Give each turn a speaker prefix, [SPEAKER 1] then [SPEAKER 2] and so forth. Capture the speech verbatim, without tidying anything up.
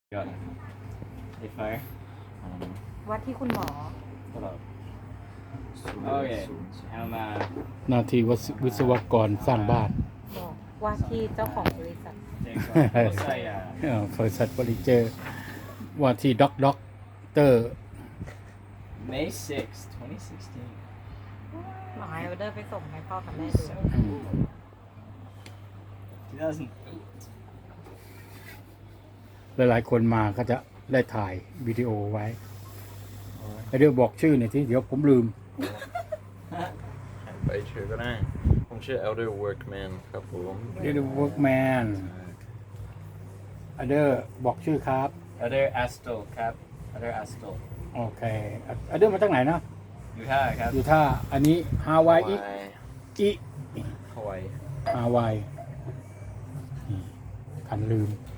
[SPEAKER 1] Got a fire.
[SPEAKER 2] วัดที่คุณหมอ
[SPEAKER 1] Hold up. Okay. I'm uh
[SPEAKER 3] หน้าที่วิศวกรสร้างบ้าน
[SPEAKER 2] บอกว่าที่เจ้าของบริษัท
[SPEAKER 1] Jacob. What's that? Yeah.
[SPEAKER 3] เอ่อบริษัทเฟอร์นิเจอร์ว่าที่ด็อกด็อกเตอร์
[SPEAKER 1] May sixth, twenty sixteen.
[SPEAKER 2] หมอให้ออเดอร์ไปส่งให้พ่อกับแม่ดู
[SPEAKER 1] two thousand eight.
[SPEAKER 3] หลายๆคนมาก็จะได้ถ่ายวิดีโอไว้แล้วเดี๋ยวบอกชื่อหน่อยที่เดี๋ยวผมลืม
[SPEAKER 4] ไปชื่อก็ได้ ผมชื่อ Elder Workman ครับผม
[SPEAKER 3] เดี๋ยวเวิร์กแมนอเดอร์บอกชื่อครับ
[SPEAKER 1] Other Astle Cap. Other Astle.
[SPEAKER 3] โอเคอเดอร์มาจากไหนนะ
[SPEAKER 1] Utah Cap.
[SPEAKER 3] อยู่ท่าอันนี้ฮาวายอิอิ
[SPEAKER 4] ฮาวาย
[SPEAKER 3] ฮาวายนี่คันลืม